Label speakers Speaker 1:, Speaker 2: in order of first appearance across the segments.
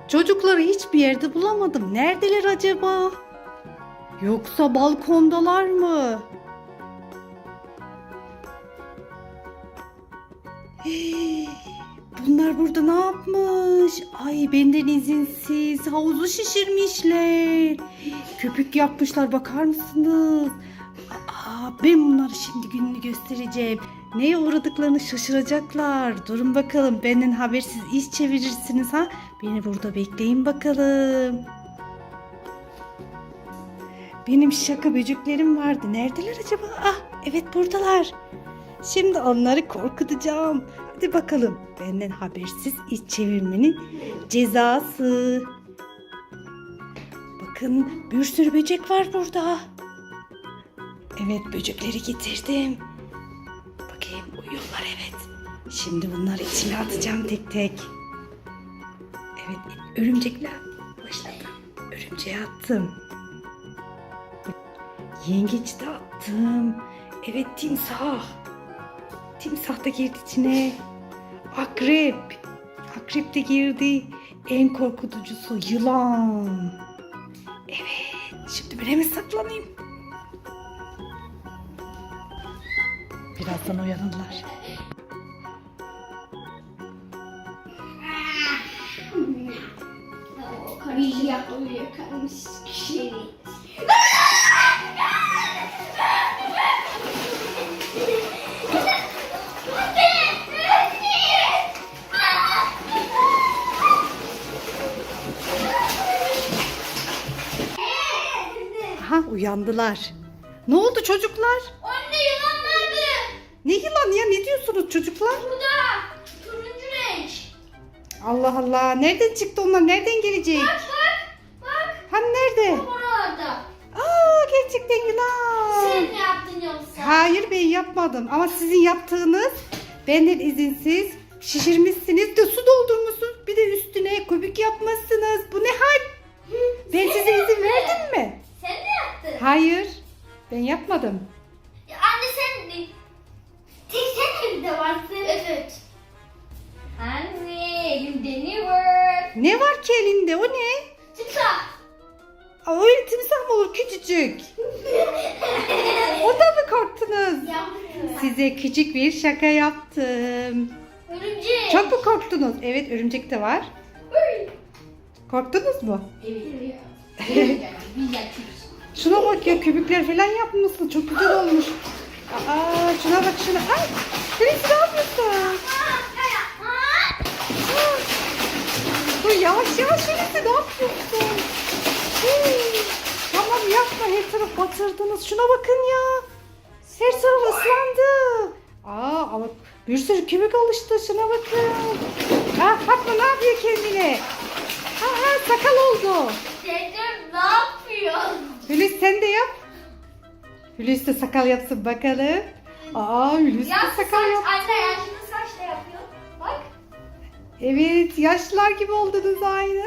Speaker 1: Çocukları hiçbir yerde bulamadım. Neredeler acaba? Yoksa balkondalar mı? Hey, bunlar burada ne yapmış? Ay benden izinsiz havuzu şişirmişler. Köpük yapmışlar, bakar mısınız? Ben bunları şimdi gününü göstereceğim. Neye uğradıklarını şaşıracaklar. Durun bakalım, benden habersiz iş çevirirsiniz ha. Beni burada bekleyin bakalım. Benim şaka böceklerim vardı. Neredeler acaba? Evet, buradalar. Şimdi onları korkutacağım. Hadi bakalım. Benden habersiz iş çevirmenin cezası. Bakın, bir sürü böcek var burada. Evet, böcekleri getirdim. Bakayım, uyuyorlar, evet. Şimdi bunları içine atacağım tek tek. Evet, örümcekler. Başladım. Örümceğe attım. Yengeç de attım. Evet, timsah. Timsah da girdi içine. Akrep. Akrep de girdi. En korkutucusu yılan. Evet, şimdi bir hemen saklanayım. Birazdan uyanırlar.
Speaker 2: Karıya uyuyakalmış kişi.
Speaker 1: Aha, uyandılar. Ne oldu çocuklar?
Speaker 2: Anne yılan nerede?
Speaker 1: Ne yılan ya? Ne diyorsunuz çocuklar?
Speaker 2: Burada. Turuncu renk.
Speaker 1: Allah Allah. Nereden çıktı onlar? Nereden gelecek?
Speaker 2: Bak.
Speaker 1: Hani nerede?
Speaker 2: Oralarda.
Speaker 1: Gerçekten yılan.
Speaker 2: Sen mi yaptın yoksa?
Speaker 1: Hayır, ben yapmadım. Ama sizin yaptığınız, benden izinsiz şişirmişsiniz de su doldurmuşsunuz. Bir de üstüne kubik yapmışsınız. Bu ne hal? Ben size izin verdim mi?
Speaker 2: Sen mi yaptın?
Speaker 1: Hayır. Ben yapmadım.
Speaker 2: Ya anne sen tek sen evde varsın. Evet. Anne elimde ne var?
Speaker 1: Ne var ki elinde? O ne?
Speaker 2: Timsah.
Speaker 1: Öyle timsah mı olur? Küçücük. Ondan mı korktunuz?
Speaker 2: Yaptım.
Speaker 1: Size küçük bir şaka yaptım.
Speaker 2: Örümcek.
Speaker 1: Çok mu korktunuz? Evet, örümcek de var.
Speaker 2: Uy.
Speaker 1: Korktunuz mu?
Speaker 2: Evet. Biz yapıyoruz.
Speaker 1: Şuna bak ya, köpükler falan yapmışsın. Çok güzel olmuş. Şuna bak şuna. Ay, Hulusi ne yapıyorsun? Dur, yavaş yavaş Hulusi, ne yapıyorsun? Tamam, yapma, her taraf batırdınız. Şuna bakın ya. Her taraf ıslandı. Ama bir sürü köpük oluştu. Şuna bakın. Fatma ne yapıyor kendine? Sakal oldu.
Speaker 2: Dedem ne yapıyor?
Speaker 1: Hulusi sen de yap. Hulusi de sakal yapsın bakalım. Hulusi de sakal yap.
Speaker 2: Anne yaşlı saçla yapıyor. Bak.
Speaker 1: Evet, yaşlılar gibi oldunuz aynı.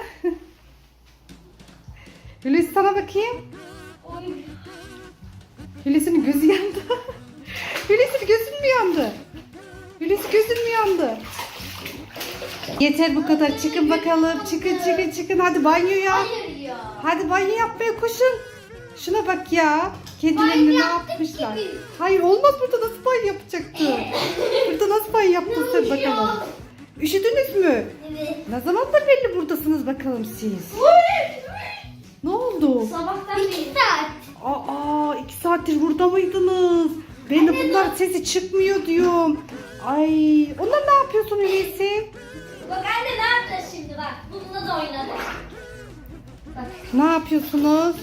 Speaker 1: Hulusi sana bakayım.
Speaker 2: Oy.
Speaker 1: Hulusi'nin gözü yandı. Hulusi gözün mü yandı? Hulusi gözün mü yandı? Yeter bu kadar. Çıkın bakalım. Çıkın. Hadi banyoya.
Speaker 2: Hayır ya.
Speaker 1: Hadi banyo yapmaya koşun. Şuna bak ya. Kendilerini
Speaker 2: Banyo
Speaker 1: ne
Speaker 2: yaptık
Speaker 1: yapmışlar?
Speaker 2: ki biz.
Speaker 1: Hayır, olmaz, burada nasıl banyo yapacaktı? Burada nasıl banyo yaptın sen bakalım? Üşüdünüz mü?
Speaker 2: Evet.
Speaker 1: Ne zamandır belli buradasınız bakalım siz? Ne oldu?
Speaker 2: Sabahtan beri. 2 saat.
Speaker 1: 2 saattir burada mıydınız? Ben de bunlar sesi çıkmıyor diyorum. Ay, onlar ne yapıyorsun Hulusi?
Speaker 2: Bak anne ne yapacağız şimdi bak. Bununla da oynadık. Bak.
Speaker 1: Ne yapıyorsunuz?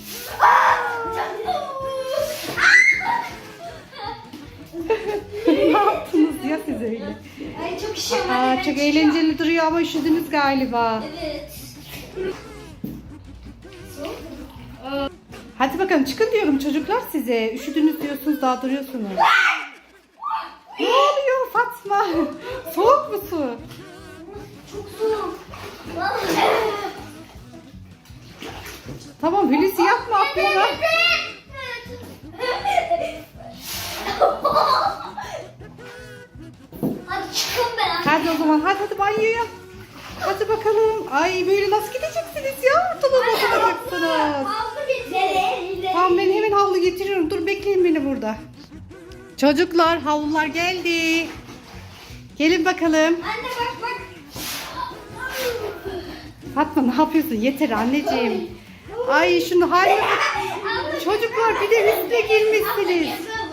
Speaker 1: Ne yaptınız ya siz öyle?
Speaker 2: Ay çok şahane.
Speaker 1: Çok eğlenceli duruyor ama üşüdünüz galiba.
Speaker 2: Evet.
Speaker 1: Hadi bakalım, çıkın diyorum çocuklar size. Üşüdünüz diyorsunuz, daha duruyorsunuz. Ne oluyor Fatma? Soğuk mu su?
Speaker 2: Çok soğuk.
Speaker 1: Tamam Hulusi, yapma, atlama.
Speaker 2: Hadi çıkın ben.
Speaker 1: Hadi o zaman, hadi banyoya. Hadi bakalım. Ay, böyle nasıl gideceğiz getiriyorum. Dur bekleyin beni burada. Çocuklar havlular geldi. Gelin bakalım.
Speaker 2: Anne bak bak.
Speaker 1: Fatma ne yapıyorsun? Yeter anneciğim. Ay şunu haline bak. Çocuklar bir de üstüne girmişsiniz.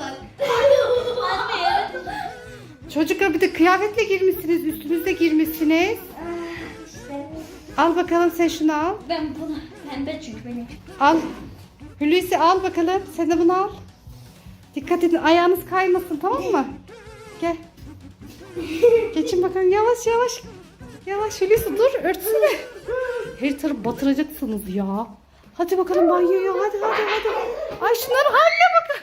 Speaker 2: Anne.
Speaker 1: Çocuklar bir de kıyafetle girmişsiniz. Üstünüzde girmişsiniz.
Speaker 2: İşte.
Speaker 1: Al bakalım sen şunu al.
Speaker 2: Ben bunu pembe çünkü benim.
Speaker 1: Al. Hulusi al bakalım. Sen de bunu al. Dikkat edin ayağınız kaymasın tamam mı? Gel. Geçin bakalım yavaş yavaş. Yavaş Hulusi dur örtsene. Her tarafı batıracaksınız ya. Hadi bakalım banyoya hadi. Ay şunların haline bakın.